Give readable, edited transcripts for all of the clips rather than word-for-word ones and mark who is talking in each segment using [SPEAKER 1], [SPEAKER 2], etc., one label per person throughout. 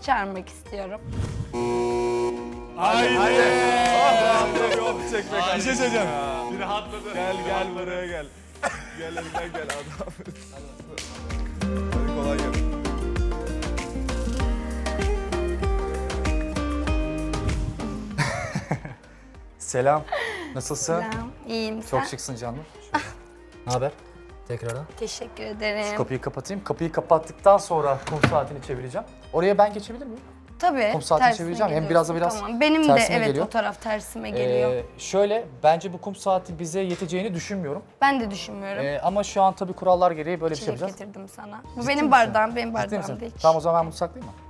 [SPEAKER 1] çağırmak istiyorum.
[SPEAKER 2] Haydi.
[SPEAKER 3] Bir şey söyleyeceğim.
[SPEAKER 2] Bir rahatladı.
[SPEAKER 3] Gel buraya gel. Gel adam. Hadi kolay gelsin.
[SPEAKER 4] Selam. Nasılsın?
[SPEAKER 1] Selam, iyiyim.
[SPEAKER 4] Çok
[SPEAKER 1] Sen?
[SPEAKER 4] şıksın canım. Ne haber? Tekrardan.
[SPEAKER 1] Teşekkür ederim.
[SPEAKER 4] Kapıyı kapatayım. Kapıyı kapattıktan sonra kum saatini çevireceğim. Oraya ben geçebilir miyim?
[SPEAKER 1] Tabii.
[SPEAKER 4] Kum saatini
[SPEAKER 1] tersine
[SPEAKER 4] çevireceğim. Hem
[SPEAKER 1] geliyorsun.
[SPEAKER 4] biraz
[SPEAKER 1] Tamam. Benim de
[SPEAKER 4] tersine
[SPEAKER 1] evet
[SPEAKER 4] geliyor.
[SPEAKER 1] o taraf tersime geliyor.
[SPEAKER 4] Şöyle, bence bu kum saati bize yeteceğini düşünmüyorum.
[SPEAKER 1] Ben de düşünmüyorum.
[SPEAKER 4] Ama şu an tabii kurallar gereği böyle bir şey
[SPEAKER 1] Çilek
[SPEAKER 4] yapacağız.
[SPEAKER 1] getirdim sana. Bu
[SPEAKER 4] Ciddi
[SPEAKER 1] benim
[SPEAKER 4] misin?
[SPEAKER 1] bardağım, benim
[SPEAKER 4] Ciddi
[SPEAKER 1] bardağım
[SPEAKER 4] misin?
[SPEAKER 1] değil.
[SPEAKER 4] Tamam o zaman ben bunu saklayayım mı?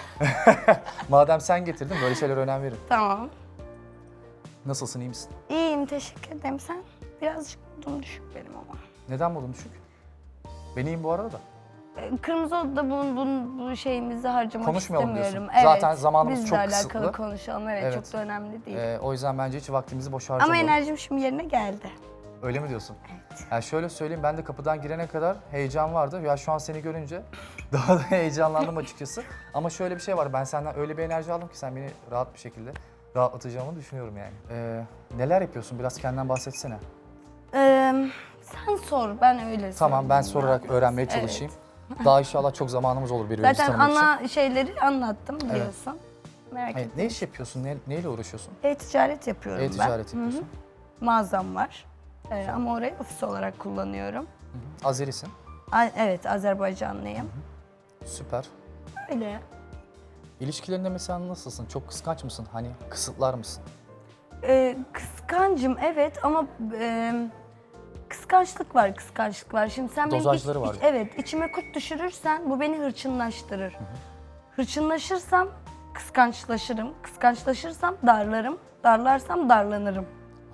[SPEAKER 4] Madem sen getirdin böyle şeylere önem verin.
[SPEAKER 1] Tamam.
[SPEAKER 4] Nasılsın, iyi misin?
[SPEAKER 1] İyiyim, teşekkür ederim. Sen birazcık modum düşük benim ama.
[SPEAKER 4] Neden modun düşük? Ben iyiyim bu arada da.
[SPEAKER 1] Kırmızı Oda'da bu şeyimizi harcamak
[SPEAKER 4] Konuşmayalım
[SPEAKER 1] istemiyorum.
[SPEAKER 4] diyorsun. Zaten zamanımız
[SPEAKER 1] bizle
[SPEAKER 4] çok
[SPEAKER 1] alakalı
[SPEAKER 4] kısıtlı.
[SPEAKER 1] konuşalım. Evet,
[SPEAKER 4] Evet.
[SPEAKER 1] çok da önemli değil.
[SPEAKER 4] O yüzden bence hiç vaktimizi boş
[SPEAKER 1] Ama
[SPEAKER 4] harcamayalım.
[SPEAKER 1] enerjim şimdi yerine geldi.
[SPEAKER 4] Öyle mi diyorsun?
[SPEAKER 1] Evet.
[SPEAKER 4] Yani şöyle söyleyeyim, ben de kapıdan girene kadar heyecan vardı. Ya şu an seni görünce daha da heyecanlandım açıkçası. Ama şöyle bir şey var, ben senden öyle bir enerji aldım ki sen beni rahat bir şekilde rahatlatacağımı düşünüyorum yani. Neler yapıyorsun? Biraz kendinden bahsetsene.
[SPEAKER 1] Sen sor, ben öyle
[SPEAKER 4] Tamam, ben
[SPEAKER 1] söyleyeyim
[SPEAKER 4] sorarak
[SPEAKER 1] ya.
[SPEAKER 4] öğrenmeye
[SPEAKER 1] Evet.
[SPEAKER 4] çalışayım. Daha inşallah çok zamanımız olur birbirimizi
[SPEAKER 1] Zaten
[SPEAKER 4] tanımak için.
[SPEAKER 1] ana şeyleri anlattım biliyorsun. Merak
[SPEAKER 4] Evet,
[SPEAKER 1] etme.
[SPEAKER 4] ne iş yapıyorsun? Neyle uğraşıyorsun?
[SPEAKER 1] E-ticaret yapıyorum ben.
[SPEAKER 4] E-ticaret yapıyorsun.
[SPEAKER 1] Mağazam var. Ama orayı ofis olarak kullanıyorum.
[SPEAKER 4] Azerisin.
[SPEAKER 1] Evet, Azerbaycanlıyım.
[SPEAKER 4] Süper.
[SPEAKER 1] Öyle.
[SPEAKER 4] İlişkilerinde mesela nasılsın? Çok kıskanç mısın? Hani kısıtlar mısın?
[SPEAKER 1] Kıskancım evet ama kıskançlık var. Şimdi sen benim
[SPEAKER 4] Dozajları var.
[SPEAKER 1] evet, içime kurt düşürürsen bu beni hırçınlaştırır. Hırçınlaşırsam kıskançlaşırım. Kıskançlaşırsam darlarım. Darlarsam darlanırım.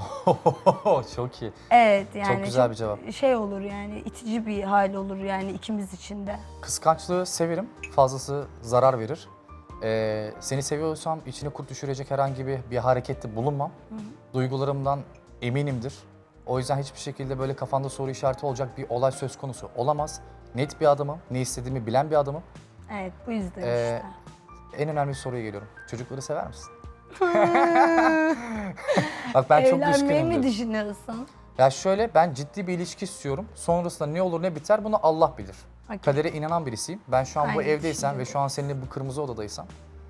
[SPEAKER 4] Çok iyi.
[SPEAKER 1] Evet yani
[SPEAKER 4] Çok güzel bir cevap.
[SPEAKER 1] şey olur yani itici bir hal olur yani ikimiz için de.
[SPEAKER 4] Kıskançlığı severim. Fazlası zarar verir. Seni seviyorsam içine kurt düşürecek herhangi bir harekette bulunmam. Duygularımdan eminimdir. O yüzden hiçbir şekilde böyle kafanda soru işareti olacak bir olay söz konusu olamaz. Net bir adamım, ne istediğimi bilen bir adamım.
[SPEAKER 1] Evet bu yüzden
[SPEAKER 4] Ee,
[SPEAKER 1] işte.
[SPEAKER 4] En önemli soruya geliyorum. Çocukları sever misin? Bak ben çok
[SPEAKER 1] Evlenmeyi mi
[SPEAKER 4] düşkünümdür.
[SPEAKER 1] düşünüyorsun?
[SPEAKER 4] Ya şöyle, ben ciddi bir ilişki istiyorum. Sonrasında ne olur ne biter bunu Allah bilir.
[SPEAKER 1] Okey.
[SPEAKER 4] Kadere inanan birisiyim. Ben şu an bu
[SPEAKER 1] Aynı
[SPEAKER 4] evdeysem ve
[SPEAKER 1] düşünüyorum.
[SPEAKER 4] şu an seninle bu kırmızı odadaysam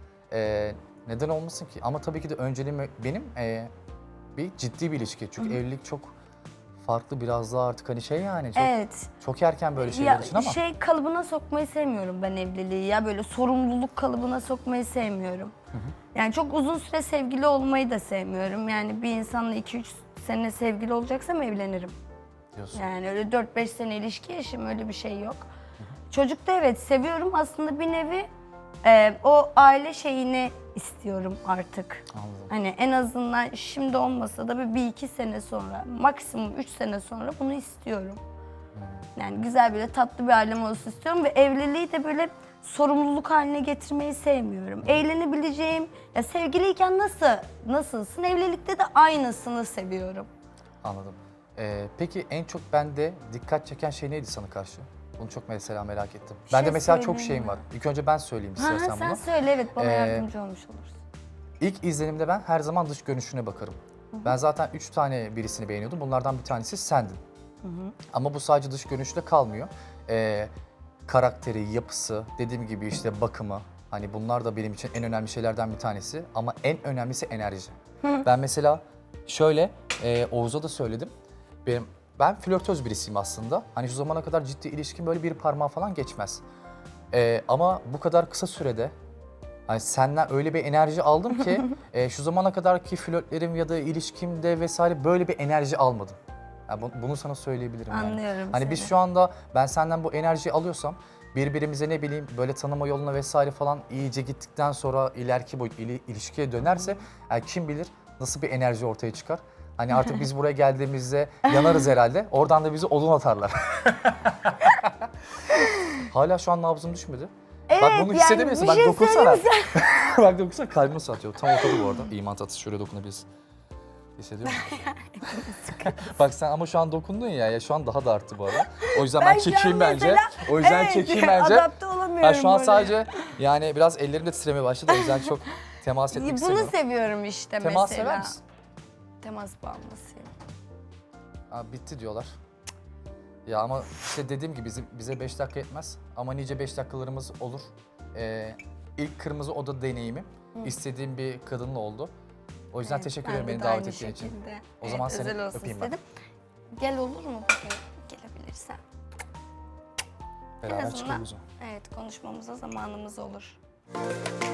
[SPEAKER 4] neden olmasın ki? Ama tabii ki de önceliğim benim bir ciddi bir ilişki. Çünkü evlilik çok farklı, biraz daha artık hani şey yani çok,
[SPEAKER 1] Evet.
[SPEAKER 4] çok erken böyle şeyler
[SPEAKER 1] Ya
[SPEAKER 4] için ama.
[SPEAKER 1] şey kalıbına sokmayı sevmiyorum ben evliliği ya böyle sorumluluk kalıbına sokmayı sevmiyorum. Yani çok uzun süre sevgili olmayı da sevmiyorum. Yani bir insanla 2-3 sene sevgili olacaksam evlenirim.
[SPEAKER 4] Diyorsun.
[SPEAKER 1] Yani öyle 4-5 sene ilişki yaşım öyle bir şey yok. Çocuk da evet seviyorum aslında bir nevi o aile şeyini istiyorum artık.
[SPEAKER 4] Anladım.
[SPEAKER 1] Hani en azından şimdi olmasa da bir iki sene sonra, maksimum 3 sene sonra bunu istiyorum. Yani güzel böyle tatlı bir ailem olsun istiyorum ve evliliği de böyle sorumluluk haline getirmeyi sevmiyorum. Eğlenebileceğim, ya sevgiliyken nasılsın, evlilikte de aynısını seviyorum.
[SPEAKER 4] Anladım. Peki en çok bende dikkat çeken şey neydi sana karşı? Bunu çok mesela merak ettim.
[SPEAKER 1] şey
[SPEAKER 4] Bende mesela çok
[SPEAKER 1] söyleyeyim
[SPEAKER 4] şeyim
[SPEAKER 1] mi?
[SPEAKER 4] var. İlk önce ben söyleyeyim
[SPEAKER 1] Ha,
[SPEAKER 4] istersen
[SPEAKER 1] sen
[SPEAKER 4] bunu.
[SPEAKER 1] söyle evet bana
[SPEAKER 4] Ee,
[SPEAKER 1] yardımcı olmuş olursun.
[SPEAKER 4] İlk izlenimde ben her zaman dış görünüşüne bakarım. Ben zaten 3 tane birisini beğeniyordum. Bunlardan bir tanesi sendin. Ama bu sadece dış görünüşle kalmıyor. Karakteri, yapısı, dediğim gibi işte bakımı. Hani bunlar da benim için en önemli şeylerden bir tanesi. Ama en önemlisi enerji. Ben mesela şöyle, Oğuz'a da söyledim. Ben flörtöz birisiyim aslında. Hani şu zamana kadar ciddi ilişkim böyle bir parmağı falan geçmez. Ama bu kadar kısa sürede hani senden öyle bir enerji aldım ki şu zamana kadarki flörtlerim ya da ilişkimde vesaire böyle bir enerji almadım. Yani bunu sana söyleyebilirim yani.
[SPEAKER 1] Anlıyorum
[SPEAKER 4] Hani
[SPEAKER 1] seni.
[SPEAKER 4] biz şu anda ben senden bu enerjiyi alıyorsam birbirimize ne bileyim böyle tanıma yoluna vesaire falan iyice gittikten sonra ileriki boyut ilişkiye dönerse yani kim bilir nasıl bir enerji ortaya çıkar. Hani artık biz buraya geldiğimizde yanarız herhalde. Oradan da bizi odun atarlar. Hala şu an nabzım düşmedi.
[SPEAKER 1] Evet,
[SPEAKER 4] Bak bunu hissedemiyorsun.
[SPEAKER 1] bir
[SPEAKER 4] Bak
[SPEAKER 1] şey
[SPEAKER 4] dokunsana.
[SPEAKER 1] söyleyeyim
[SPEAKER 4] Bak dokunsana kalbim nasıl atıyor. Tam ortada bu arada. İman tatlısı şöyle dokunabilirsin. Hissediyor musun? Bak sen ama şu an dokundun ya şu an daha da arttı bu arada. O yüzden ben
[SPEAKER 1] şu an
[SPEAKER 4] çekeyim bence.
[SPEAKER 1] mesela-
[SPEAKER 4] O yüzden
[SPEAKER 1] evet,
[SPEAKER 4] çekeyim bence.
[SPEAKER 1] adapte olamıyorum sevmiyorum
[SPEAKER 4] Ben şu an
[SPEAKER 1] böyle.
[SPEAKER 4] sadece yani biraz ellerim de titremeye başladı. O yüzden çok temas etmek
[SPEAKER 1] Bunu
[SPEAKER 4] istemiyorum.
[SPEAKER 1] seviyorum işte
[SPEAKER 4] Temas
[SPEAKER 1] mesela.
[SPEAKER 4] sever misin?
[SPEAKER 1] Temas bağımlısıyım.
[SPEAKER 4] Abi bitti diyorlar. Ya ama işte dediğim gibi bize 5 dakika yetmez. Ama nice 5 dakikalarımız olur. İlk kırmızı oda deneyimi istediğim bir kadınla oldu. O yüzden
[SPEAKER 1] Evet,
[SPEAKER 4] teşekkür
[SPEAKER 1] ben
[SPEAKER 4] ederim
[SPEAKER 1] de
[SPEAKER 4] beni
[SPEAKER 1] de
[SPEAKER 4] davet
[SPEAKER 1] aynı
[SPEAKER 4] ettiğin için.
[SPEAKER 1] şekilde.
[SPEAKER 4] O zaman seni
[SPEAKER 1] özel olsun
[SPEAKER 4] öpeyim ben.
[SPEAKER 1] istedim. Gel olur mu bugün gelebilirsen? En
[SPEAKER 4] Beraber
[SPEAKER 1] azından
[SPEAKER 4] çıkalım o zaman.
[SPEAKER 1] evet konuşmamıza zamanımız olur.